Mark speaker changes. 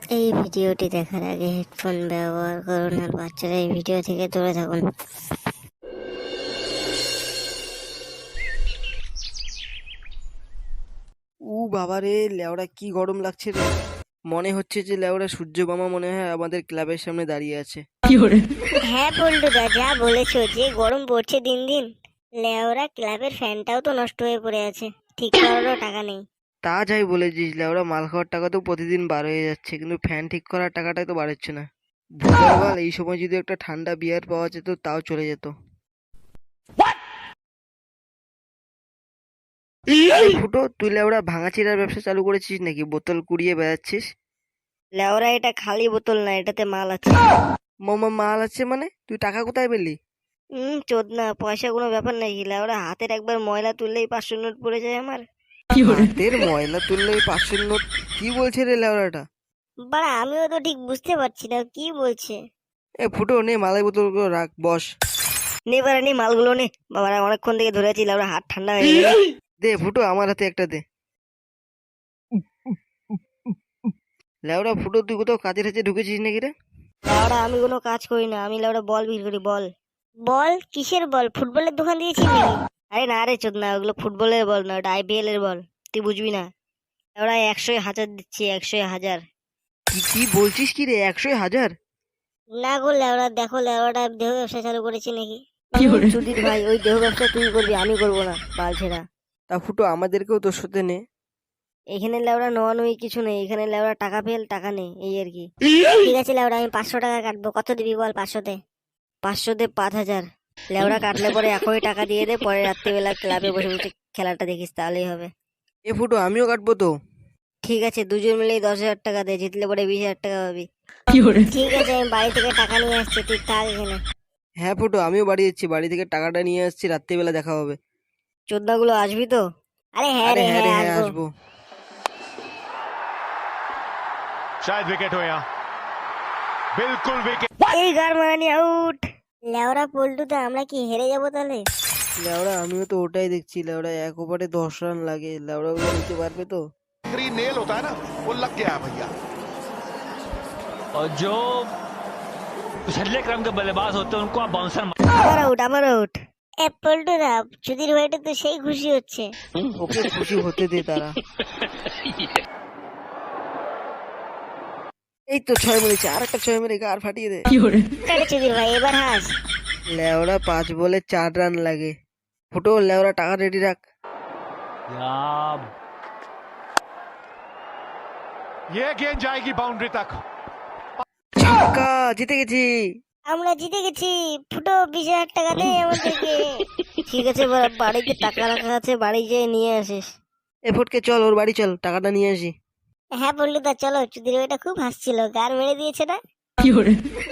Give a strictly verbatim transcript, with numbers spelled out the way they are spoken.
Speaker 1: এই ভিডিওটি দেখার আগে হেডফোন ব্যবহার করুন আর বাচ্চারা এই ভিডিও থেকে দূরে থাকুন।
Speaker 2: উ বাবারে লেওড়া কি গরম লাগছে রে। মনে হচ্ছে যে লেওড়া সূর্য মামা মনে হয় আমাদের ক্লাবের সামনে দাঁড়িয়ে আছে।
Speaker 1: হ্যাঁ পল্টুদা, যা বলেছো, যে গরম পড়ছে দিন দিন। লেওরা ক্লাবের ফ্যানটাও তো নষ্ট হয়ে পড়ে আছে, ঠিক করারও টাকা নেই।
Speaker 2: তা যাই বলেছিস, লেওড়া মাল খাওয়ার টাকা তো প্রতিদিন বার হয়ে যাচ্ছে, কিন্তু ফ্যান ঠিক করার টাকাটাই তো বাড়ছে না। ভোরবেলা এই সময় যদি একটা ঠান্ডা বিয়ার পাওয়া যেত তাও চলে যেত। এই ফুটো, তুই লেওড়া ভাঙাচিরার ব্যবসা চালু করেছিস নাকি? বোতল কুড়িয়ে বেড়াচ্ছিস।
Speaker 1: লেওরা এটা খালি বোতল না, এটাতে মাল আছে।
Speaker 2: মামা মাল আছে মানে? তুই টাকা কোথায় পেলি?
Speaker 1: হুম চোদ না, পয়সা কোনো ব্যাপার নাকি? লেওরা হাতের একবার ময়লা তুললেই পাঁচশো নোট পড়ে যায় আমার।
Speaker 2: হাতের ময়লা তুললে ওই পাঁচশোর নোট? কি বলছে রে লেওড়াটা?
Speaker 1: বাড়া, আমিও তো ঠিক বুঝতে পারছি না কি বলছে।
Speaker 2: এ ফুটো, নে মালাই বোতলগুলো রাখ, বস।
Speaker 1: নে বাড়া, নে মালগুলো নে। বাবারা অনেকক্ষণ থেকে ধরে আছি, লেওরা হাত ঠান্ডা হয়ে গেছে।
Speaker 2: দে ফুটো, আমার হাতে একটা দে। লেওড়া ফুটো, তুই কোথাও কাজের হাতে ঢুকেছিস নাকি রে?
Speaker 1: লেওরা আমি কোনো কাজ করি না, আমি লেওরা বল বিক্রি করি। বল বল কিসের বল? ফুটবলের দোকান দিয়েছি নাকি? আরে না রে চোদ না, ওগুলো ফুটবলের বল না, ওটা আইপিএল এর বল, তুই বুঝবি না। লেওরা একশো হাজার দিচ্ছি, একশো হাজার।
Speaker 2: কি কি বলছিস কি রে? একশো হাজার?
Speaker 1: না গো লেওরা, দেখো লেওরাটা দেহ ব্যবসা চালু করেছি নাকি। সুধীর ভাই, ওই দেহ ব্যবসা তুই করবি, আমি করবো না, বাল ছেড়া।
Speaker 2: তা ফুটো, আমাদেরকেও তোর সাথে নে।
Speaker 1: এখানে লেওরা নোয়া নুই কিছু নেই, এখানে লেওরা টাকা ফেল টাকা নেই, এই আর কি। ঠিক আছে লেওরা, আমি পাঁচশো টাকা কাটবো, কত দিবি বল? পাঁচশোতে পাঁচশোতে পাঁচ হাজার। লেওরা কাটলে পরে এখনই টাকা দিয়ে দে, পরে রাত্রিবেলা ক্লাবে বসে বসে খেলাটা দেখিস, তাহলেই হবে।
Speaker 2: এ ফুটো, আমিও কাটবো তো।
Speaker 1: ঠিক আছে, দুজন মিলেই দশ হাজার টাকা দে, জিতলে পরে বিশ হাজার টাকা পাবি। ঠিক আছে, আমি বাড়ি থেকে টাকা নিয়ে আসছি, তুই থাক এখানে।
Speaker 2: হ্যাঁ ফুটো, আমিও বাড়ি যাচ্ছি, বাড়ি থেকে টাকাটা নিয়ে আসছি, রাত্রিবেলা দেখা হবে।
Speaker 1: চোদ্দাগুলো আসবি তো? আরে হ্যাঁ
Speaker 2: আরে
Speaker 1: রে,
Speaker 2: হ্যাঁ রে,
Speaker 1: হ্যাঁ
Speaker 2: হ্যাঁ
Speaker 1: আসবো।
Speaker 2: আসবো।
Speaker 3: शायद विकेट हो यहाँ बिल्कुल विकेट।
Speaker 1: এই গার মারানি আউট। লেওরা পল্টুতে আমরা কি হেরে যাবো তাহলে?
Speaker 2: লেওড়া আমিও তো ওটাই দেখছি, লেওড়া এক ওভারে দশ রান লাগে, লেওড়া ওগুলো নিতে পারবে তো?
Speaker 3: नेल होता है ना, वो लग गया है भैया।
Speaker 4: और जो पिछले क्रम के बल्लेबाज होते हैं उनको आप बाउंसर
Speaker 1: আবার আউট, আবার আউট। এ পল্টুদা, সুধীর ভাইটা তো সেই খুশি হচ্ছে।
Speaker 2: ওকে খুশি হতে দে তারা। এই তো ছয় মেরেছে, আর একটা ছয় মেরে গার ফাটিয়ে দে।
Speaker 1: আরে সুধীর ভাই, এবার হাস।
Speaker 2: লেওড়া পাঁচ বলে চার রান লাগে। ফুটো, লেওড়া টাকা রেডি রাখ।
Speaker 4: यार
Speaker 3: ये गेंद जाएगी बाउंड्री तक।
Speaker 2: ছক্কা, জিতে গেছি।
Speaker 1: আমরা জিতে গেছি। ফুটো বিশ হাজার টাকা দে আমাদেরকে। ঠিক আছে, বা- বাড়িতে টাকা রাখা আছে, বাড়ি যেয়ে নিয়ে আসিস।
Speaker 2: এ ফুটকে চল, ওর বাড়ি চল, টাকাটা নিয়ে আসি।
Speaker 1: হ্যাঁ পল্টুদা চলো, সুধীর ভাইটা খুব হাসছিল, গার মেরে দিয়েছে না।